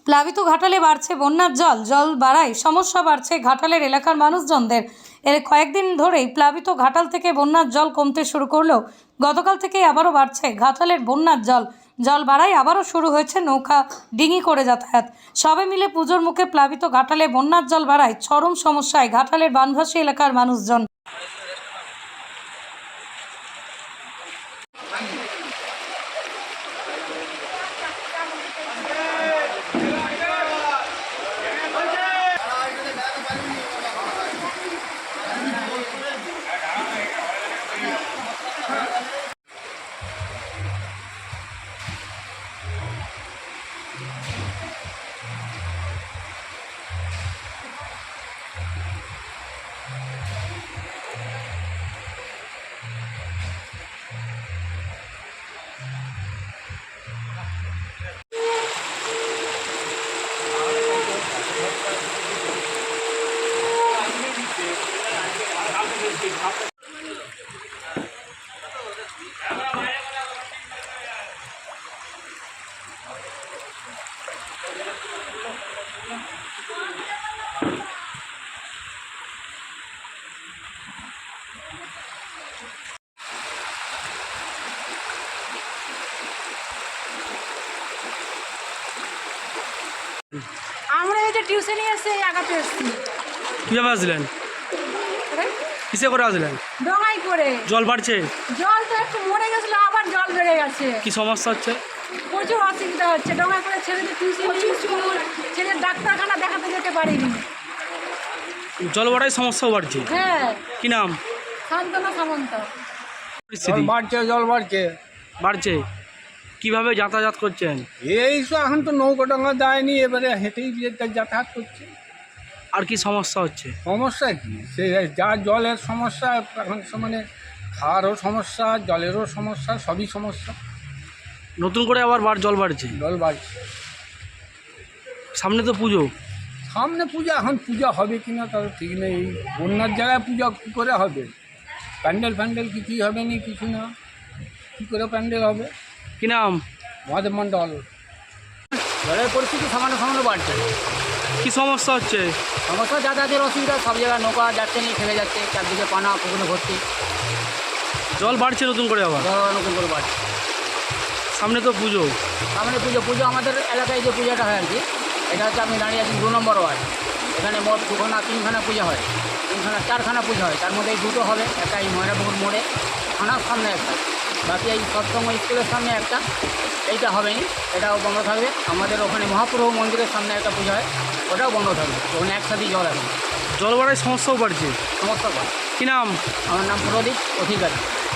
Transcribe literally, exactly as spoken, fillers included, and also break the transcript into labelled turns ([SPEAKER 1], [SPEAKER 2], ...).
[SPEAKER 1] প্লাবিত ঘাটালে বাড়ছে বন্যার জল জল বাড়ায় সমস্যা বাড়ছে ঘাটালের এলাকার মানুষজনদের। এর কয়েকদিন ধরেই প্লাবিত ঘাটাল থেকে বন্যার জল কমতে শুরু করলেও গতকাল থেকেই আবারও বাড়ছে ঘাটালের বন্যার জল জল বাড়ায় আবারও শুরু হয়েছে নৌকা ডিঙি করে যাতায়াত। সবে মিলে পুজোর মুখে প্লাবিত ঘাটালে বন্যার জল বাড়ায় চরম সমস্যায় ঘাটালের বানভাসী এলাকার মানুষজন।
[SPEAKER 2] আমরা এই যে টিউশনে এসে আগাতে এসেছি।
[SPEAKER 3] কিভাবে আসলেন? কিসে করে আসলেন?
[SPEAKER 2] ডঙাই করে।
[SPEAKER 3] জল বাড়ছে?
[SPEAKER 2] জল তো একটু মরে গেছিল, আবার জল বেড়ে গেছে।
[SPEAKER 3] কি সমস্যা হচ্ছে?
[SPEAKER 2] প্রচুর অসুবিধা হচ্ছে। ডঙাই করে ছেলেদের টিউশন স্কুল, ছেলের ডাক্তারখানা দেখাতে যেতে পারিনি।
[SPEAKER 3] জল বাড়ায় সমস্যাও বাড়ছে?
[SPEAKER 2] হ্যাঁ।
[SPEAKER 3] কি নাম?
[SPEAKER 2] শান্তনা সামন্ত।
[SPEAKER 3] পরিস্থিতি
[SPEAKER 4] বাড়ছে, জল বাড়ছে
[SPEAKER 3] বাড়ছে কিভাবে যাতায়াত করছেন?
[SPEAKER 4] এই তো এখন তো নৌকা ডঙ্গা দেয়নি, এবারে হেঁটেই যাতায়াত করছে।
[SPEAKER 3] আর কি সমস্যা হচ্ছে?
[SPEAKER 4] সমস্যা কি, সে যা জলের সমস্যা, এখন মানে খাওয়ারও সমস্যা, জলেরও সমস্যা, সবই সমস্যা।
[SPEAKER 3] নতুন করে আবার বার জল বাড়ছে?
[SPEAKER 4] জল বাড়ছে।
[SPEAKER 3] সামনে তো পুজো।
[SPEAKER 4] সামনে পূজা, এখন পূজা হবে কিনা তার ঠিক নেই। এই বন্যার জায়গায় পূজা কী করে হবে? প্যান্ডেল ফ্যান্ডেল কিছুই হবে না, কিছু না। কী করে প্যান্ডেল হবে?
[SPEAKER 3] কি নাম?
[SPEAKER 4] মহাদেব মণ্ডল।
[SPEAKER 5] জলের পরিস্থিতি সামান্য সামান্য বাড়ছে।
[SPEAKER 3] কি সমস্যা হচ্ছে?
[SPEAKER 5] সমস্যা যাতায়াতের অসুবিধা, সব জায়গায় নৌকা যাচ্ছে নিয়ে থেমে যাচ্ছে, চারদিকে পানা পুকুরে ভর্তি,
[SPEAKER 3] জল বাড়ছে নতুন করে আবার?
[SPEAKER 5] জল নতুন করে বাড়ছে।
[SPEAKER 3] সামনে তো পুজো।
[SPEAKER 5] সামনে পুজো পুজো আমাদের এলাকায় যে পূজাটা হয় আর কি, এটা হচ্ছে আমি দাঁড়িয়ে আছি দু নম্বর ওয়ার্ড। এখানে মোট দুখানা তিনখানা পূজা হয়, তিনখানা চারখানা পূজা হয়। তার মধ্যে এই দুটো হবে, একটা এই ময়নাপুকুর মোড়ে থানার সামনে একটা, বাকি এই সৎসঙ্গ স্কুলের সামনে একটা, এইটা হবেই, এটাও বন্ধ থাকবে। আমাদের ওখানে মহাপ্রভু মন্দিরের সামনে একটা পূজা হয়, ওটাও বন্ধ থাকবে। ওখানে একসাথেই জল আছে,
[SPEAKER 3] জল বাড়ায় সমস্যাও বাড়ছে।
[SPEAKER 5] সমস্যা পায়।
[SPEAKER 3] কি নাম?
[SPEAKER 5] আমার নাম প্রদীপ অধিকারী।